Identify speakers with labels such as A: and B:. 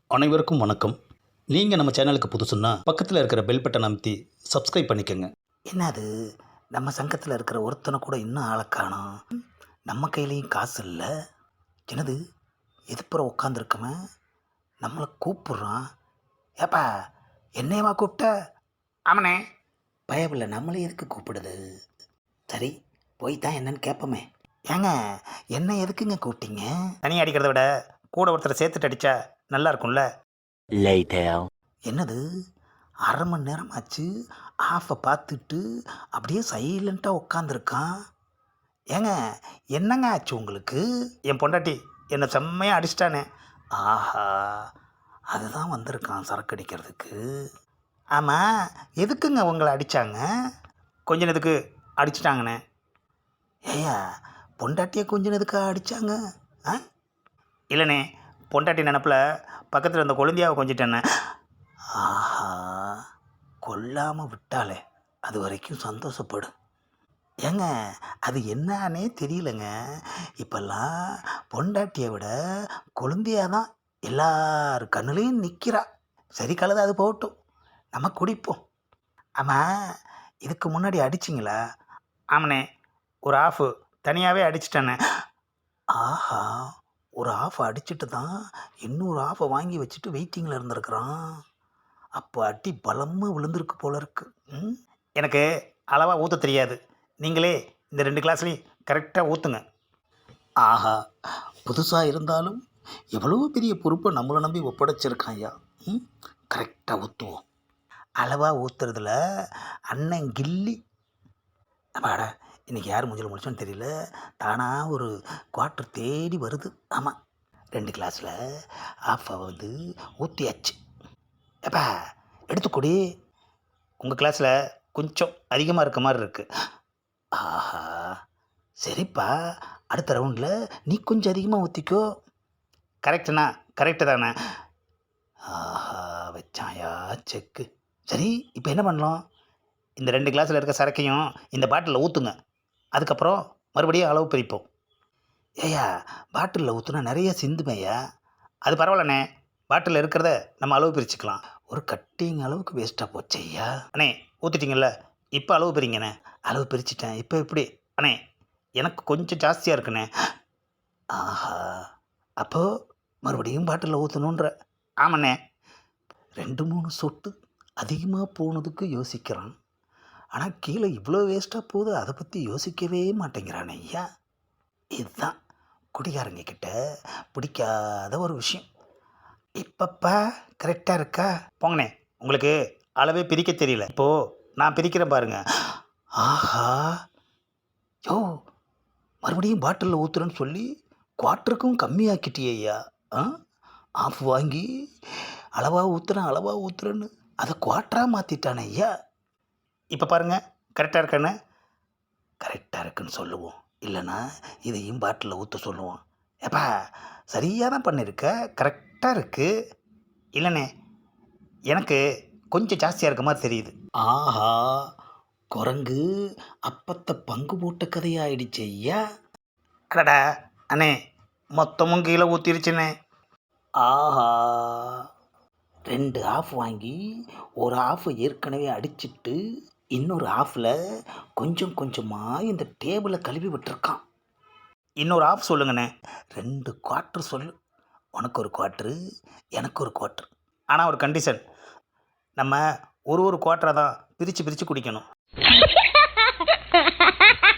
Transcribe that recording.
A: அனைவருக்கும் வணக்கம். நீங்கள் நம்ம சேனலுக்கு புதுசுன்னா பக்கத்தில் இருக்கிற பெல் பட்டனை அமைத்தி சப்ஸ்கிரைப் பண்ணிக்கோங்க.
B: என்னது நம்ம சங்கத்தில் இருக்கிற ஒருத்தனை கூட இன்னும் ஆளை காணோம். நம்ம கையிலையும் காசு இல்லை. என்னது எதுப்புறம் உட்காந்துருக்கவன் நம்மளை கூப்பிட்றான். ஏப்பா என்னையவா கூப்பிட்ட? ஆமனே. பயமில்லை, நம்மளே எதுக்கு கூப்பிடுது? சரி போய் தான் என்னன்னு கேட்போமே. ஏங்க என்ன எதுக்குங்க கூப்பிட்டீங்க? தனியாக அடிக்கிறத விட கூட ஒருத்தரை சேர்த்துட்டு அடித்தா நல்லா இருக்கும்ல. என்னது அரை மணி நேரம் ஆச்சு, ஆஃபை பார்த்துட்டு அப்படியே சைலண்ட்டாக உட்காந்துருக்கான். ஏங்க என்னங்க ஆச்சு உங்களுக்கு? என் பொண்டாட்டி என்னை செம்மையாக அடிச்சிட்டானே. ஆஹா, அதுதான் வந்திருக்கான் சரக்கு அடிக்கிறதுக்கு. ஆமாம், எதுக்குங்க உங்களை அடித்தாங்க? கொஞ்ச நேரத்துக்கு அடிச்சிட்டாங்கண்ணே. ஏயா பொண்டாட்டியை கொஞ்ச நேரத்துக்கு அடித்தாங்க? ஆ இல்லைண்ணே, பொண்டாட்டி நினப்பில் பக்கத்தில் இருந்த கொழுந்தியாவை கொஞ்சிட்டேண்ணே. ஆஹா, கொல்லாமல் விட்டாலே அது வரைக்கும் சந்தோஷப்படும். ஏங்க அது என்னன்னே தெரியலங்க. இப்போல்லாம் பொண்டாட்டியை விட கொழுந்தியாக தான் எல்லார் கண்ணுலேயும் நிற்கிறா. சரி கலது, அது போகட்டும், நம்ம குடிப்போம். ஆமாம், இதுக்கு முன்னாடி அடிச்சிங்களா? ஆமாண்ணே, ஒரு ஆஃபு தனியாகவே அடிச்சிட்டேண்ணே. ஆஹா, ஒரு ஆஃப் அடிச்சுட்டு தான் இன்னொரு ஆஃபை வாங்கி வச்சுட்டு வெயிட்டிங்கில் இருந்திருக்கிறான். அப்போ அடி பலமாக விழுந்திருக்கு போல இருக்கு. எனக்கு அளவாக ஊற்ற தெரியாது, நீங்களே இந்த 2 கிளாஸ்லேயும் கரெக்டாக ஊற்றுங்க. ஆஹா, புதுசாக இருந்தாலும் எவ்வளோ பெரிய பொறுப்பை நம்மளை நம்பி ஒப்படைச்சிருக்கான் ஐயா. கரெக்டாக ஊற்றுவோம். அளவாக ஊற்றுறதுல அண்ணன் கில்லி. அப்பாடா, இன்றைக்கி யார் மூஞ்சில் முடிச்சோன்னு தெரியல, தானாக ஒரு குவார்ட்டர் தேடி வருது. ஆமாம், 2 கிளாஸில் ஆஃபை வந்து ஊற்றியாச்சு. எப்பா எடுத்துக்கூடி, உங்கள் கிளாஸில் கொஞ்சம் அதிகமாக இருக்க மாதிரி இருக்குது. ஆஹா, சரிப்பா, அடுத்த ரவுண்டில் நீ கொஞ்சம் அதிகமாக ஊற்றிக்கோ. கரெக்டுண்ணா, கரெக்டு தானே. ஆஹா, வச்சாயா செக்கு. சரி இப்போ என்ன பண்ணலாம்? இந்த 2 கிளாஸில் இருக்க சரக்கையும் இந்த பாட்டிலில் ஊற்றுங்க. அதுக்கப்புறம் மறுபடியும் அளவு பிரிப்போம். ஏயா பாட்டிலில் ஊற்றுனா நிறைய சிந்துமையா? அது பரவாயில்லண்ணே, பாட்டிலில் இருக்கிறத நம்ம அளவு பிரிச்சுக்கலாம். ஒரு கட்டிங் அளவுக்கு வேஸ்ட்டாக போச்சு ஐயா. அண்ணே ஊற்றிட்டீங்கல்ல, இப்போ அளவு பிரிங்கண்ணே. அளவு பிரிச்சுட்டேன், இப்போ எப்படி? அண்ணே எனக்கு கொஞ்சம் ஜாஸ்தியாக இருக்குண்ணே. ஆஹா, அப்போது மறுபடியும் பாட்டிலில் ஊற்றணுன்ற. ஆமாண்ணே, 2-3 சொட்டு அதிகமாக போனதுக்கு யோசிக்கிறான். ஆனால் கீழே இவ்வளோ வேஸ்ட்டாக போகுது, அதை பற்றி யோசிக்கவே மாட்டேங்கிறான் ஐயா. இதுதான் குடிகாரங்க கிட்ட பிடிக்காத ஒரு விஷயம். இப்பப்பா கரெக்டாக இருக்கா? போங்கண்ணே, உங்களுக்கு அளவே பிரிக்க தெரியல, இப்போது நான் பிரிக்கிறேன் பாருங்க. ஆஹா, யோ மறுபடியும் பாட்டிலில் ஊற்றுறேன்னு சொல்லி குவார்ட்டருக்கும் கம்மியாக்கிட்டியே ஐயா. ஆஃப் வாங்கி அளவாக ஊற்றுறேன்னு அதை குவார்ட்டராக மாற்றிட்டானே ஐயா. இப்போ பாருங்கள், கரெக்டாக இருக்கானே? கரெக்டாக இருக்குன்னு சொல்லுவோம், இல்லைன்னா இதையும் பாட்டிலில் ஊற்ற சொல்லுவோம். ஏப்பா சரியாக தான் பண்ணியிருக்க, கரெக்டாக இருக்குது. இல்லைண்ணே, எனக்கு கொஞ்சம் ஜாஸ்தியாக இருக்க மாதிரி தெரியுது. ஆஹா, குரங்கு அப்பத்தை பங்கு போட்ட கதையாயிடுச்சு ஐயா. அடடா அண்ணே, மொத்தமும் கீழே ஊற்றிருச்சுண்ணே. ஆஹா, 2 ஆஃப் வாங்கி ஒரு ஆஃபை ஏற்கனவே அடிச்சிட்டு இன்னொரு ஆஃபில் கொஞ்சம் கொஞ்சமாக இந்த டேபிளை கழுவி விட்டுருக்கான். இன்னொரு ஆஃப் சொல்லுங்கண்ணே. 2 குவார்ட்டர் சொல்லு. உனக்கு ஒரு குவார்ட்ரு, எனக்கு ஒரு குவார்ட்ரு. ஆனால் ஒரு கண்டிஷன், நம்ம ஒரு குவார்ட்டரை தான் பிரித்து பிரித்து குடிக்கணும்.